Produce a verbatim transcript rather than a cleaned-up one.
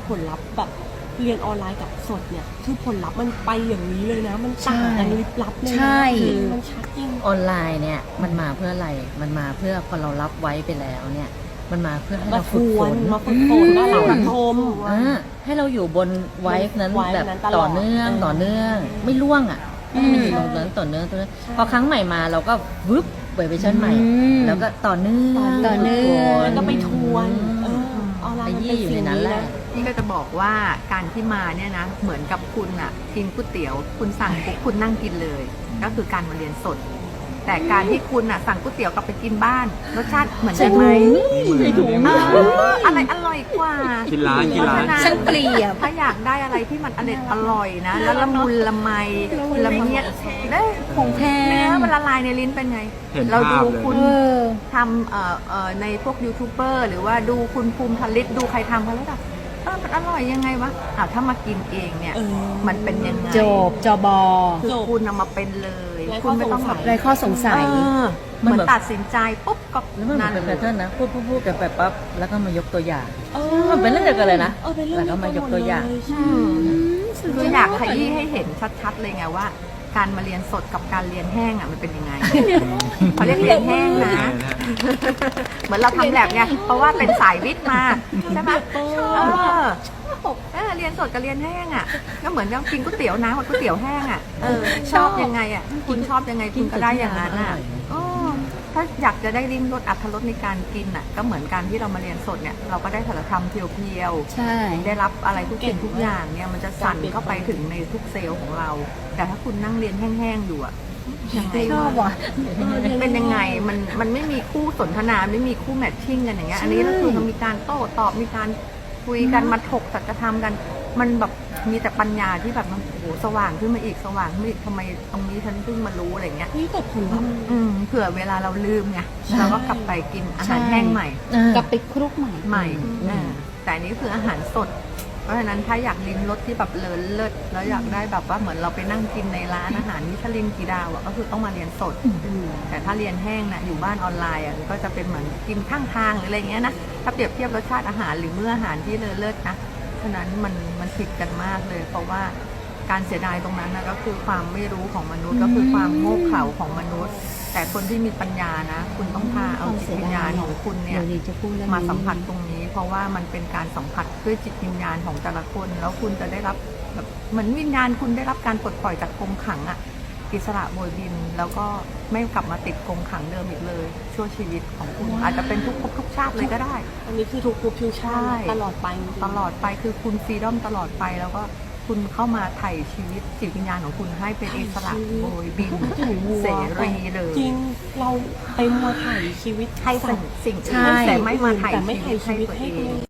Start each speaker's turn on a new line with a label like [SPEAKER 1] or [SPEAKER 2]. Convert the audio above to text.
[SPEAKER 1] ผลลัพธ์แบบเรียนออนไลน์กับสดเนี่ยคือผลลัพธ์มันไปอย่างนี้เลยนะมันต่างกันลิบลับเลยนะ
[SPEAKER 2] ใช่
[SPEAKER 1] คือมันชัดจริง
[SPEAKER 3] ออนไลน์เนี่ยมันมาเพื่ออะไรมันมาเพื่อพอเรารับไว้ไปแล้วเนี่ยมันมาเพื่อให้
[SPEAKER 1] มา
[SPEAKER 3] เรา
[SPEAKER 1] ท
[SPEAKER 3] ฝึก
[SPEAKER 1] ว
[SPEAKER 3] ฝ
[SPEAKER 1] น
[SPEAKER 3] น
[SPEAKER 1] มาฝึกฝนมาหลังชม
[SPEAKER 3] อ่าให้เราอยู่บนไวฟ์นั้น
[SPEAKER 1] ไวฟ์
[SPEAKER 3] แบบ
[SPEAKER 1] นั้นตลอด
[SPEAKER 3] ต่อเนื่อง
[SPEAKER 1] เออ
[SPEAKER 3] ต่อเนื่องไม่ล่วงอ่ะ
[SPEAKER 2] อืม
[SPEAKER 3] มันอยู่ตรงนั้นต่อเนื่องต่อเนื่องพอครั้งใหม่มาเราก็วึบเวอร์ชันใหม่
[SPEAKER 2] อืม
[SPEAKER 3] แล้วก็ต่อเนื่อง
[SPEAKER 2] ต่อเนื่อง
[SPEAKER 1] แล้วก็ไปทวนเออออนไล
[SPEAKER 3] ไป
[SPEAKER 1] น์มัน
[SPEAKER 3] ยี่
[SPEAKER 1] เป็น
[SPEAKER 3] อยู่
[SPEAKER 1] สิ่
[SPEAKER 3] ใน
[SPEAKER 1] ง
[SPEAKER 3] นั้น
[SPEAKER 1] นี้
[SPEAKER 3] แหละ
[SPEAKER 1] นะ
[SPEAKER 4] พี่ก็จะบอกว่าการที่มาเนี่ยนะเหมือนกับคุณอ่ะกินก๋วยเตี๋ยวคุณสั่งปุ๊บคุณนั่งกินเลย ก็คือการมาเรียนสด แต่การที่คุณอ่ะสั่งก๋วยเตี๋ยวกลับไปกินบ้านรสชาติเหมือนกันไหม
[SPEAKER 3] ใส่ถุง
[SPEAKER 4] เอออะไรอร่อยกว่า
[SPEAKER 5] กินร้านกินร้าน
[SPEAKER 4] เพะฉะ
[SPEAKER 2] ช่างเปรียบ
[SPEAKER 4] ถ้าอยากได้อะไรที่มันอร่อยอร่อยนะ แล้วละมุนละไมละเมียดเด้
[SPEAKER 2] ของแพ
[SPEAKER 4] เนื้อง มันละลายในลิ้นเป็นไง
[SPEAKER 5] เห็น
[SPEAKER 4] เรา
[SPEAKER 5] ภา
[SPEAKER 4] ดู
[SPEAKER 5] พเลย
[SPEAKER 4] คุณ
[SPEAKER 2] เออ
[SPEAKER 4] ทำเอ่อเอ่อในพวกยูทูบเบอร์หรือว่าดูคุณภูมิผลิตดูใครทำเขาแล้วแบบเออมันอร่อยยังไงวะอ้าวถ้ามากินเองเนี่ย
[SPEAKER 1] เออ
[SPEAKER 4] มันเป็นยังไง
[SPEAKER 2] จบจบอ
[SPEAKER 4] คือ
[SPEAKER 1] จบ
[SPEAKER 4] คุณนำมาเป็นเลย
[SPEAKER 1] ไร้
[SPEAKER 4] คุณไม่ต้อง
[SPEAKER 1] ข้อสงสัย
[SPEAKER 2] ไรข้อสงสัย
[SPEAKER 4] เออ
[SPEAKER 3] มัน
[SPEAKER 4] เหมือน
[SPEAKER 3] แบบ
[SPEAKER 4] ตัดสินใจปุ๊บก็
[SPEAKER 3] แล้วมันเหมื
[SPEAKER 4] นั่
[SPEAKER 3] อน
[SPEAKER 4] น
[SPEAKER 3] เป็น
[SPEAKER 4] เล
[SPEAKER 3] แพ
[SPEAKER 4] ย
[SPEAKER 3] ทเทิร์นนะพูดพูดพูดกันไปปั๊บแล้วก็มายกตัวอย่าง
[SPEAKER 1] เอ
[SPEAKER 3] มันเป็นเรื่องเดียวกันเลยนะ
[SPEAKER 1] เออเป็นเรื่อง
[SPEAKER 3] แล้วก็มายกตัวอย่าง
[SPEAKER 1] เดีวกันหมดเลใช่
[SPEAKER 4] คืออยากขยี้ให้เห็นชัดๆเลยไงว่า การมาเรียนสดกับการเรียนแห้งอ่ะมันเป็นยังไง เขาเรียกเรียนแห้งนะ เหมือนเราทำแลบไงเพราะว่าเป็นสายวิทย์มาใช่ไหมเออเออเรียนสดกับเรียนแห้งอ่ะ ก็เหมือนกับกินก๋วยเตี๋ยวน้ำกับก๋วยเตี๋ยวแห้งอ่ะเออชอบยังไงอ่ะคุณชอบยังไงคุณก็ได้อย่างนั้นอ่ะเออถ้าอยากจะได้ลิ้มรสอรรถรสในการกินอ่ะ ก็เหมือนการที่เรามาเรียนสดเนี่ยเราก็ได้สารธรรมเพียวๆ
[SPEAKER 2] ใช่
[SPEAKER 4] ได้รับอะไรทุกสิ่งทุกอย่างเนี่ยมันจะสั่นเข้าไปถึงในทุกเซลล์ของเรา แต่ถ้าคุณนั่งเรียนแห้งๆอยู่อะยังไง
[SPEAKER 2] ชอบว่ะ
[SPEAKER 4] เป็นยังไงมันมันไม่มีคู่สนทนาไม่มีคู่แมทชิ่งกันอย่างเงี้ยอันนี้ก็คือมันมีการโต้ตอบมีการคุยกันมาถกสัจธรรมกัน มันแบบมีแต่ปัญญาที่แบบมันโอ้โหสว่างขึ้นมาอีกสว่างขึ้นมาอีกทำไมตรงนี้ฉันเพิ่งมารู้อะไรเงี้ย
[SPEAKER 1] นี่แต่ผลลัพธ์
[SPEAKER 4] อืมเผื่อเวลาเราลืมไงเราก็กลับไปกินอาหารแห้งใหม่
[SPEAKER 2] กลับไปคลุกใหม่
[SPEAKER 4] ใหม่อ่าแต่อันนี้คืออาหารสด เพราะฉะนั้นถ้าอยากลิ้มรสที่แบบเลิศเลิศแล้วอยากได้แบบว่าเหมือนเราไปนั่งกินในร้านอาหารมิชลินกี่ดาวอะก็คือต้องมาเรียนสด แต่ถ้าเรียนแห้งนะอยู่บ้านออนไลน์อะก็จะเป็นเหมือนกินข้างทางหรืออะไรเงี้ยนะ ถ้าเปรียบเทียบรสชาติอาหารหรือมื้ออาหารที่เลิศเลิศนะ ฉะนั้นมันมันผิดกันมากเลย เพราะว่าการเสียดายตรงนั้นนะก็คือความไม่รู้ของมนุษย์ก็คือความโง่เขลาของมนุษย์ แต่คนที่มีปัญญานะ คุณต้องพาเอาจิตวิญญาณของคุณเนี่ย
[SPEAKER 2] เดี๋ยวจะพูดเรื่องนี้
[SPEAKER 4] มาสัมผัสตรงนี้ เพราะว่ามันเป็นการสัมผัสด้วยจิตวิญญาณของแต่ละคน แล้วคุณจะได้รับแบบเหมือนวิญญาณคุณได้รับการปลดปล่อยจากกรงขังอะอิสระโบยบิน แล้วก็ไม่กลับมาติดกรงขังเดิมอีกเลย ชั่วชีวิตของคุณ อาจจะเป็นทุกภพทุกชาติเลยก็ได้
[SPEAKER 1] อันนี้คือทุกภพทุกชาติ
[SPEAKER 4] ใช่
[SPEAKER 1] ตลอดไปจริงๆ
[SPEAKER 4] ตลอดไปคือคุณฟรีดอมตลอดไปแล้วก็คุณเข้ามาไถ่ชีวิตจิตวิญญาณของคุณให้เป็นอิสระโบยบิน
[SPEAKER 1] ถึงวัว
[SPEAKER 4] เสรีเลย
[SPEAKER 1] จริงเราไปมัวถ่ายชีวิต
[SPEAKER 4] ให้สิ่งสิ่ง
[SPEAKER 2] ใช่
[SPEAKER 4] อื่นแต่ไม่มาไถ่
[SPEAKER 1] แต่ไม่ถ่ายชี
[SPEAKER 4] ชี
[SPEAKER 1] วิ
[SPEAKER 4] วิ
[SPEAKER 1] ต
[SPEAKER 4] ต
[SPEAKER 1] ให้
[SPEAKER 4] ให้
[SPEAKER 1] ตั
[SPEAKER 4] ตัว ว
[SPEAKER 1] เอ
[SPEAKER 4] เอง ง